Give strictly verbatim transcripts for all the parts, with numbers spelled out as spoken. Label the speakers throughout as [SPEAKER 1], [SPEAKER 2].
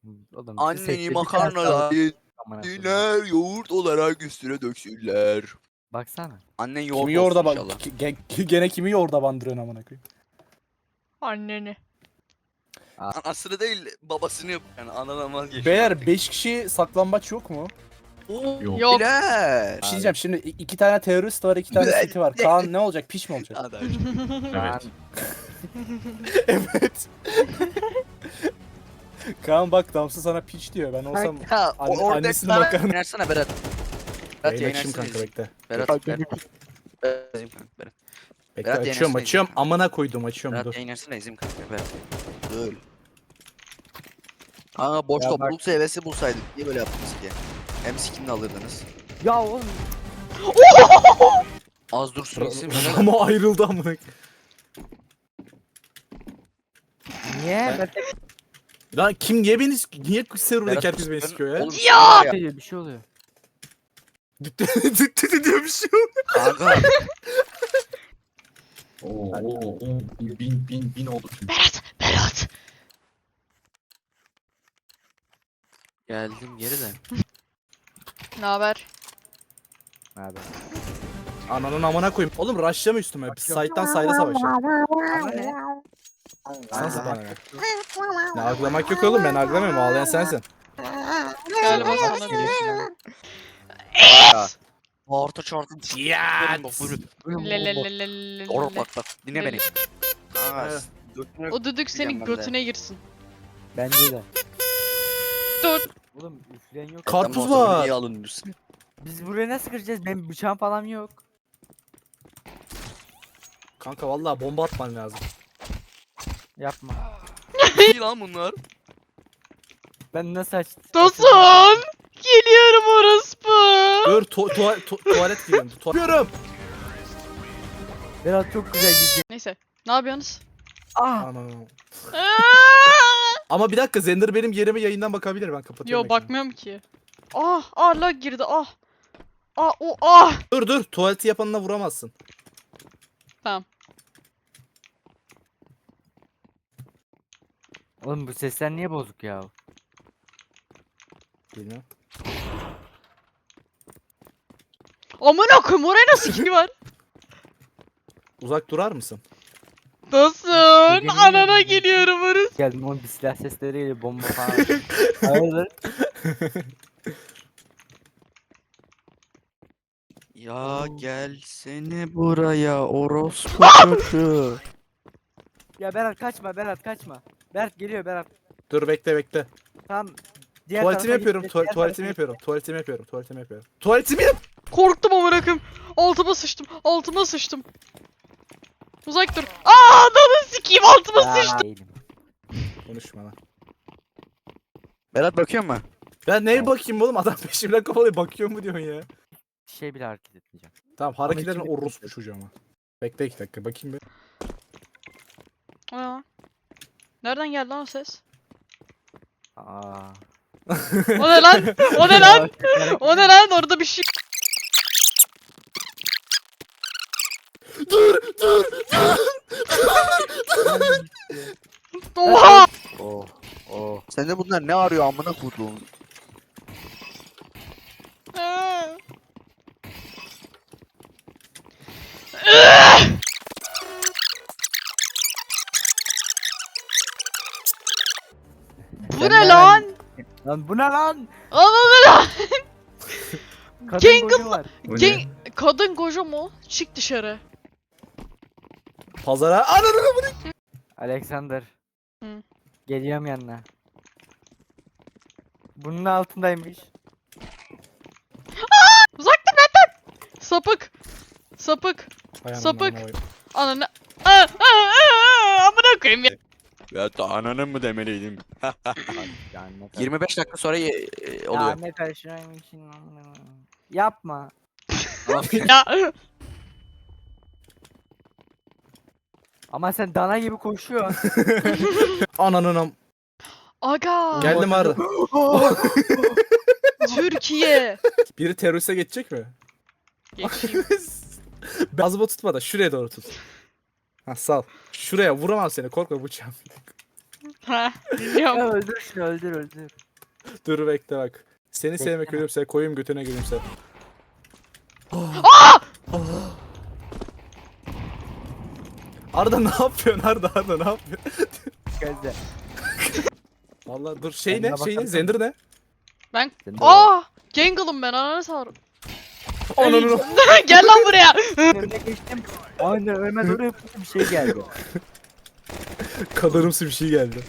[SPEAKER 1] Oğlum,
[SPEAKER 2] Anneni makarnalar, diner yoğurt olarak üstüne döksünler.
[SPEAKER 1] Baksana.
[SPEAKER 2] Annen yoğurt
[SPEAKER 3] Kimi
[SPEAKER 2] olsun
[SPEAKER 3] yoğurda bak
[SPEAKER 2] inşallah.
[SPEAKER 3] ge- gene kimi yoğurda bandırıyorsun amına koyayım.
[SPEAKER 4] Anneni.
[SPEAKER 2] Anasını değil babasını yap yani ananamaz geçiyor.
[SPEAKER 3] Beyler beş kişi saklambaç yok mu?
[SPEAKER 2] Oo,
[SPEAKER 5] Yok.
[SPEAKER 4] Yok.
[SPEAKER 2] beyler.
[SPEAKER 3] Bir şey diyeceğim şimdi i- iki tane terörist var, iki tane
[SPEAKER 2] Güzel.
[SPEAKER 3] seti var. Kaan ne olacak? Piç mi olacak?
[SPEAKER 2] Hadi.
[SPEAKER 5] Evet.
[SPEAKER 3] Evet. Kaan bak Damsı sana piç diyor. Ben olsam
[SPEAKER 2] Ha,
[SPEAKER 3] Anne-
[SPEAKER 2] orada
[SPEAKER 3] annesini
[SPEAKER 2] sana-
[SPEAKER 3] makarna-
[SPEAKER 2] Yayınlarsana Berat. Berat
[SPEAKER 3] yayın açayım
[SPEAKER 2] yayınlarsana.
[SPEAKER 3] kanka bekle.
[SPEAKER 2] Berat, Berat. Berat, Berat. Berat.
[SPEAKER 3] Bekle
[SPEAKER 2] Berat
[SPEAKER 3] açıyorum
[SPEAKER 2] yayınlasana
[SPEAKER 3] açıyorum.
[SPEAKER 2] izin.
[SPEAKER 3] Amına koydum açıyorum
[SPEAKER 2] Berat
[SPEAKER 3] dur.
[SPEAKER 2] yayınlarsana izin kanka Berat. Dur. Kanka boş
[SPEAKER 1] Ya bak-
[SPEAKER 2] topluluk seviyesi bulsaydık niye böyle yaptınız ki? Hem sikimini alırdınız.
[SPEAKER 1] Ya oğlum.
[SPEAKER 2] Az dursun isim Berat.
[SPEAKER 3] Ama ayrıldı amına koyayım.
[SPEAKER 1] Niye? Ben
[SPEAKER 3] Lan kim niye beni niye serverdeki
[SPEAKER 2] Berat,
[SPEAKER 3] herkes beni
[SPEAKER 2] ben-
[SPEAKER 3] sikiyor ya?
[SPEAKER 2] Oğlum,
[SPEAKER 4] Ya!
[SPEAKER 2] ya.
[SPEAKER 1] bir şey oluyor.
[SPEAKER 3] Düttü düttü diyor bir şey yok.
[SPEAKER 2] Kanka.
[SPEAKER 5] Oo, oo, oo. Bin, bin, bin oldu çünkü.
[SPEAKER 4] Berat, Berat.
[SPEAKER 2] Geldim geri de.
[SPEAKER 4] Ne haber?
[SPEAKER 1] Abi.
[SPEAKER 3] Ananın amına koyayım. Oğlum rushlama üstüme. Side'dan side'a savaşalım.
[SPEAKER 1] Ama ne?
[SPEAKER 3] Sensin bana ne? Ne aglamak yok oğlum ben aglamıyorum. Ağlayan sensin.
[SPEAKER 4] Galiba sana diyor.
[SPEAKER 2] Ya. Orta çarpın.
[SPEAKER 3] Ya.
[SPEAKER 4] Lelelelelelele.
[SPEAKER 2] Doğru bak bak dinle beni. Kanka.
[SPEAKER 3] Evet.
[SPEAKER 2] götüne-
[SPEAKER 4] O düdük senin
[SPEAKER 2] Diyeceğim ben de.
[SPEAKER 4] götüne girsin.
[SPEAKER 1] Bence de.
[SPEAKER 4] Dur.
[SPEAKER 1] Oğlum üfleyen yok.
[SPEAKER 3] Karpuz
[SPEAKER 2] Tamam, o zaman
[SPEAKER 3] var.
[SPEAKER 2] niye alınıyorsun?
[SPEAKER 1] Biz buraya nasıl gireceğiz? Benim bıçağım falan yok.
[SPEAKER 3] Kanka vallahi bomba atman lazım.
[SPEAKER 1] Yapma.
[SPEAKER 2] İyi lan bunlar.
[SPEAKER 1] Ben nasıl aç?
[SPEAKER 4] Tosun. Geliyorum orospu.
[SPEAKER 3] Dur tu tuva- tu- tuvalet giriyorum. Tu Giriyorum.
[SPEAKER 1] Berat çok güzel gidiyor.
[SPEAKER 4] Neyse. Ne yapıyorsunuz?
[SPEAKER 1] Ah!
[SPEAKER 3] Ana.
[SPEAKER 4] Aa!
[SPEAKER 3] Ama bir dakika Zender benim yerime yayından bakabilir ben kapatıyorum.
[SPEAKER 4] Yo
[SPEAKER 3] ekranı.
[SPEAKER 4] bakmıyorum ki. Ah, ah lag girdi ah. Ah, o ah.
[SPEAKER 3] Dur dur tuvaleti yapanına vuramazsın.
[SPEAKER 1] Oğlum bu sesler niye bozuk ya?
[SPEAKER 3] Bilmiyorum.
[SPEAKER 4] Amına koyayım oraya nasıl kill var?
[SPEAKER 3] Uzak durar mısın?
[SPEAKER 4] Tosun.
[SPEAKER 1] Geliyorum,
[SPEAKER 4] Anana
[SPEAKER 1] geliyorum.
[SPEAKER 4] geliyorum orası.
[SPEAKER 1] Geldim oğlum bir silah sesleri geliyor bomba falan. Hayırdır?
[SPEAKER 2] Ya gelsene buraya orospu çocuğu.
[SPEAKER 1] Ya Berat kaçma Berat kaçma. Berat geliyor Berat.
[SPEAKER 3] Dur bekle bekle.
[SPEAKER 1] Tamam. Diğer
[SPEAKER 3] Tuvaletimi
[SPEAKER 1] tarafa
[SPEAKER 3] yapıyorum.
[SPEAKER 1] git,
[SPEAKER 3] tuva-
[SPEAKER 1] diğer
[SPEAKER 3] tuvaletimi
[SPEAKER 1] tarafa
[SPEAKER 3] yapıyorum. Tuvaletimi yapıyorum. Tuvaletimi yapıyorum. Tuvaletimi yap.
[SPEAKER 4] Korktum amına koyayım. Altıma sıçtım. Altıma sıçtım. Uzak dur. Aa, ananı sikeyim altıma
[SPEAKER 1] git.
[SPEAKER 4] sıçtım.
[SPEAKER 1] Aa, değilim.
[SPEAKER 3] Konuşma lan.
[SPEAKER 2] Berat bakıyor mu?
[SPEAKER 3] Ben neye bakayım oğlum adam peşimden kovalıyor bakıyor mu diyorsun ya.
[SPEAKER 1] Şey bile hareket etmeyeceğim.
[SPEAKER 3] Tamam hareketlerin
[SPEAKER 1] içim-
[SPEAKER 3] orospu çocuğu ama. Bekle iki dakika bakayım bir.
[SPEAKER 4] Aa. Nereden geldi lan o ses?
[SPEAKER 1] Aa.
[SPEAKER 4] O ne lan? O ne lan? O ne lan? Orada bir şey.
[SPEAKER 3] Dur dur dur.
[SPEAKER 4] Oha!
[SPEAKER 1] Oh. Oh.
[SPEAKER 2] Sen de bunlar ne arıyor amına koyduğum?
[SPEAKER 4] Aa. Bu
[SPEAKER 1] Sen
[SPEAKER 4] ne
[SPEAKER 1] de
[SPEAKER 4] lan?
[SPEAKER 1] Lan bu ne lan?
[SPEAKER 4] Ananı lan.
[SPEAKER 1] Kadın
[SPEAKER 4] Genk
[SPEAKER 1] koca var.
[SPEAKER 5] Bu ne?
[SPEAKER 4] Gen- Kadın koca mu? Çık dışarı.
[SPEAKER 3] Pazara ananı.
[SPEAKER 1] Alexander.
[SPEAKER 4] Hı.
[SPEAKER 1] Geliyorum yanına. Bunun altındaymış.
[SPEAKER 4] Uzak dur benden. Sapık. Sapık.
[SPEAKER 3] Hay
[SPEAKER 4] Sapık.
[SPEAKER 3] ananı koyayım.
[SPEAKER 4] Ananı. Aa, aa, aa, amına koyayım ya.
[SPEAKER 2] Ya da ananın mı demeliydim?
[SPEAKER 1] Yani ne
[SPEAKER 2] yirmi beş dakika sonra ye- e,
[SPEAKER 1] Ya
[SPEAKER 2] oluyor.
[SPEAKER 1] ne karışıyormuşsun lan? Yapma.
[SPEAKER 4] Ya.
[SPEAKER 1] Ama sen dana gibi koşuyorsun.
[SPEAKER 3] Ananın am.
[SPEAKER 4] Aga.
[SPEAKER 3] Geldim ağrı.
[SPEAKER 4] Türkiye.
[SPEAKER 3] Biri teröriste geçecek mi?
[SPEAKER 4] Geçeyim.
[SPEAKER 3] Bazıma tutma da şuraya doğru tut. Ha sal. Şuraya vuramam seni korkma bıçağım.
[SPEAKER 4] Ha, dinliyorum.
[SPEAKER 1] Ya öldür şunu öldür öldür.
[SPEAKER 3] Dur bekle bak. Seni
[SPEAKER 1] Bekle.
[SPEAKER 3] sevmek ölümse koyayım götüne gülümse.
[SPEAKER 4] Aa!
[SPEAKER 3] Arda ne yapıyorsun Arda Arda ne yapıyorsun?
[SPEAKER 1] Gözde.
[SPEAKER 3] Vallahi dur şey
[SPEAKER 1] Kendine
[SPEAKER 3] ne şey ne
[SPEAKER 1] bakarsan-
[SPEAKER 3] Zender ne?
[SPEAKER 4] Ben...
[SPEAKER 1] Sen de
[SPEAKER 4] Aa! Gangle'ım ben ananı sağırım.
[SPEAKER 3] Ananı
[SPEAKER 4] Gel lan buraya.
[SPEAKER 1] önüne geçtim. Aynen önüme doğru yapınca bir şey geldi.
[SPEAKER 3] kadarımsı bir şey geldi.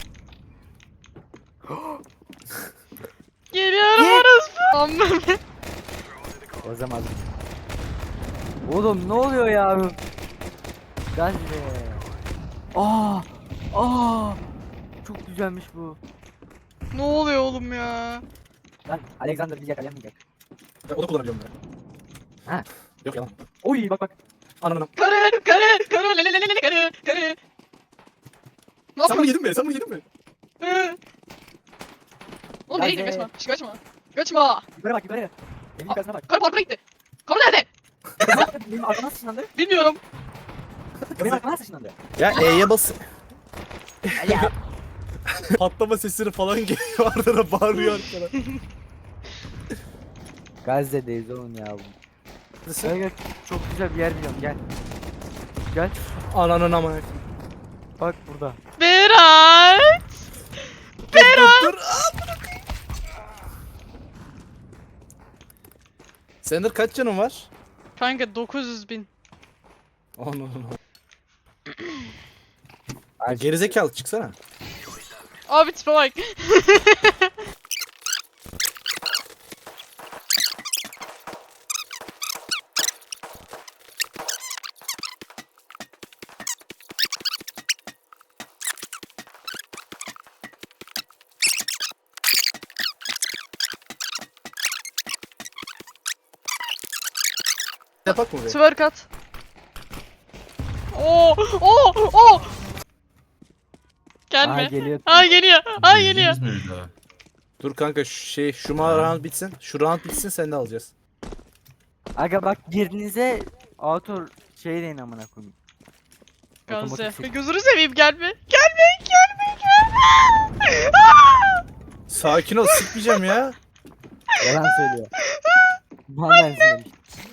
[SPEAKER 4] Geliyorum orospu. Amma.
[SPEAKER 1] O zaman. Oğlum ne oluyor ya? Gazze. Aa! Aa! Çok güzelmiş bu.
[SPEAKER 4] Ne oluyor oğlum ya?
[SPEAKER 1] Lan Alexander bir yakalayamayacak.
[SPEAKER 3] O da kullanacağım ben.
[SPEAKER 1] Ha.
[SPEAKER 3] Yok yalan.
[SPEAKER 1] Oy bak bak.
[SPEAKER 3] Ananı.
[SPEAKER 4] Karı karı karı lelelelele karı karı. Ne
[SPEAKER 3] Sen bunu
[SPEAKER 4] yapıyorsun?
[SPEAKER 3] yedin mi? Sen bunu yedin mi?
[SPEAKER 4] Hı. Oğlum nereye
[SPEAKER 1] Gazze.
[SPEAKER 4] gidiyorsun? Kaçma. Şş, Kaçma. Kaçma.
[SPEAKER 1] Yukarı bak yukarı. Benim yukarısına bak.
[SPEAKER 4] Karı parkura gitti. Karı nerede?
[SPEAKER 1] Benim arkama sıçlandı.
[SPEAKER 4] Bilmiyorum.
[SPEAKER 1] Benim arkama sıçlandı.
[SPEAKER 3] Ya E'ye bas.
[SPEAKER 1] Ya.
[SPEAKER 3] Patlama sesleri falan geliyor Arda da bağırıyor arkada.
[SPEAKER 1] Gazze'deyiz oğlum ya. Gel gel. Çok güzel bir yer biliyorum gel. Gel.
[SPEAKER 3] Ananın amına.
[SPEAKER 1] Bak burada.
[SPEAKER 4] Berat.
[SPEAKER 3] Berat. Dur dur. Zender kaç canın var?
[SPEAKER 4] Kanka dokuz yüz bin.
[SPEAKER 3] Ananı. Gerizekalı çıksana.
[SPEAKER 4] Abi tipe bak.
[SPEAKER 3] Yapak mı be?
[SPEAKER 4] Twerk at. Oo, oo, oo.
[SPEAKER 1] Aa
[SPEAKER 4] Gelme.
[SPEAKER 1] geliyor.
[SPEAKER 4] Aa geliyor. Aa geliyor.
[SPEAKER 5] Bildiniz mi bir daha?
[SPEAKER 3] Dur kanka şu şey şu ma round bitsin. Şu round bitsin sen de alacağız.
[SPEAKER 1] Aga bak girdiğinize auto şey deyin amına koyayım.
[SPEAKER 4] Gazze.
[SPEAKER 1] Otomatik-
[SPEAKER 4] Gözünü seveyim gelme. Gelme, gelme, gelme. Aa!
[SPEAKER 3] Sakin ol sıkmayacağım ya.
[SPEAKER 1] Yalan söylüyor. Vallahi izlemiş.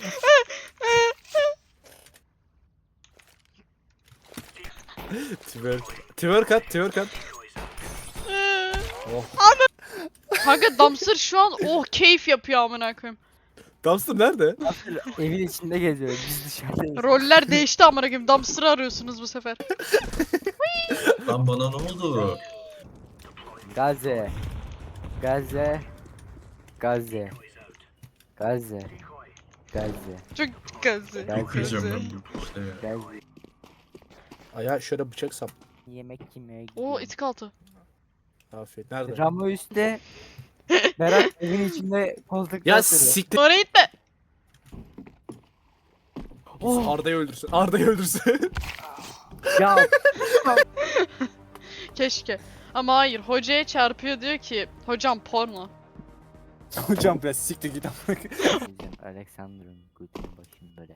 [SPEAKER 3] Twerk. Twerk at twerk at. Oh.
[SPEAKER 4] Kanka Dumpster şu an oh keyif yapıyor amına koyayım.
[SPEAKER 3] Dumpster nerede?
[SPEAKER 1] Evin içinde geziyor. Biz dışarıdayız.
[SPEAKER 4] Roller değişti amına koyayım. Dumpster'ı arıyorsunuz bu sefer.
[SPEAKER 5] Lan bana ne oldu?
[SPEAKER 1] Gazze. Gazze. Gazze. Gazze. Gazze.
[SPEAKER 4] Çok gazı.
[SPEAKER 1] Ben
[SPEAKER 5] Yıkayacağım
[SPEAKER 4] Gazı.
[SPEAKER 5] ben bu işte ya.
[SPEAKER 1] Gazze.
[SPEAKER 3] Ayağa şöyle bıçak sap.
[SPEAKER 1] Yemek yemeye
[SPEAKER 4] Oo
[SPEAKER 1] gidiyorum.
[SPEAKER 4] itik altı.
[SPEAKER 3] Afiyet. Nerede?
[SPEAKER 1] Ramo üstte. Berat evin içinde koltukta
[SPEAKER 3] Ya
[SPEAKER 1] oturuyor.
[SPEAKER 3] siktir.
[SPEAKER 4] Oraya gitme.
[SPEAKER 1] Oh.
[SPEAKER 3] Arda'yı öldürsün. Arda'yı öldürsün.
[SPEAKER 1] Ya
[SPEAKER 4] Keşke. Ama hayır hocaya çarpıyor diyor ki hocam porno.
[SPEAKER 3] Hocam biraz siktir git.
[SPEAKER 1] Diyeceğim, Alexander'ın götünü başını böyle.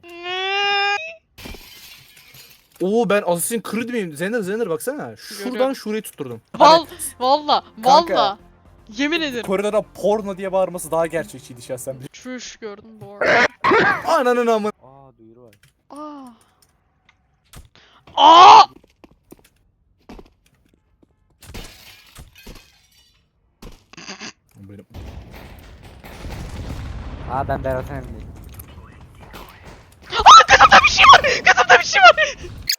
[SPEAKER 3] Oo ben Assassin's Creed miyim? Zender Zender baksana. Şuradan
[SPEAKER 4] Görüyorum.
[SPEAKER 3] şurayı tutturdum.
[SPEAKER 4] Val valla
[SPEAKER 6] Kanka.
[SPEAKER 4] valla. Yemin ederim.
[SPEAKER 6] Koridora porno diye bağırması daha gerçekçiydi şahsen.
[SPEAKER 4] Çüş gördüm bu arada.
[SPEAKER 3] Ananın amı.
[SPEAKER 1] Aa duyuru var.
[SPEAKER 4] Aa. Aa!
[SPEAKER 3] Benim.
[SPEAKER 1] Aa ben Berat'ın evindeyim.
[SPEAKER 4] Kızımda bir şey var. Kızımda bir şey var.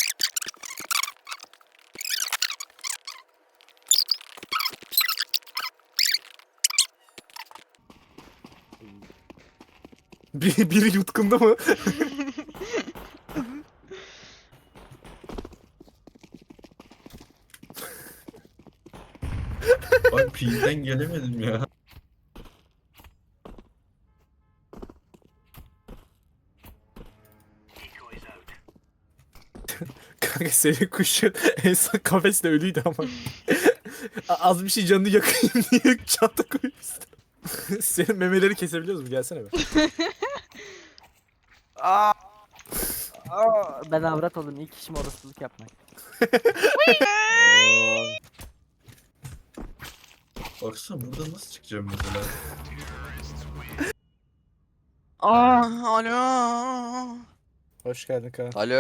[SPEAKER 3] Bir, biri yutkundu mu?
[SPEAKER 5] Bak P'den gelemedim ya.
[SPEAKER 3] Kanka senin kuşun en son kafeste ölüydü ama. A- Az bir şey canını yakayım diye çanta koymuşsun. Senin memeleri kesebiliyoruz mu? Gelsene be.
[SPEAKER 1] Aa. Aa, ben avrat oldum. İlk işim orospuluk yapmak. Oo.
[SPEAKER 5] Baksana burada nasıl çıkacağım mesela?
[SPEAKER 2] Aa, alo.
[SPEAKER 6] Hoş geldin Kaan.
[SPEAKER 2] Alo.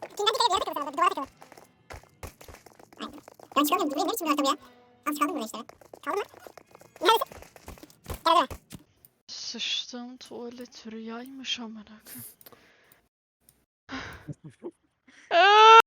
[SPEAKER 7] Ben çıkamıyorum. Buraya ne biçim bir ortam ya? Az kaldım buraya işte. Kaldı mı? Neredesin? Gel gel.
[SPEAKER 4] Sıçtım tuvalet rüyaymış amına koyayım.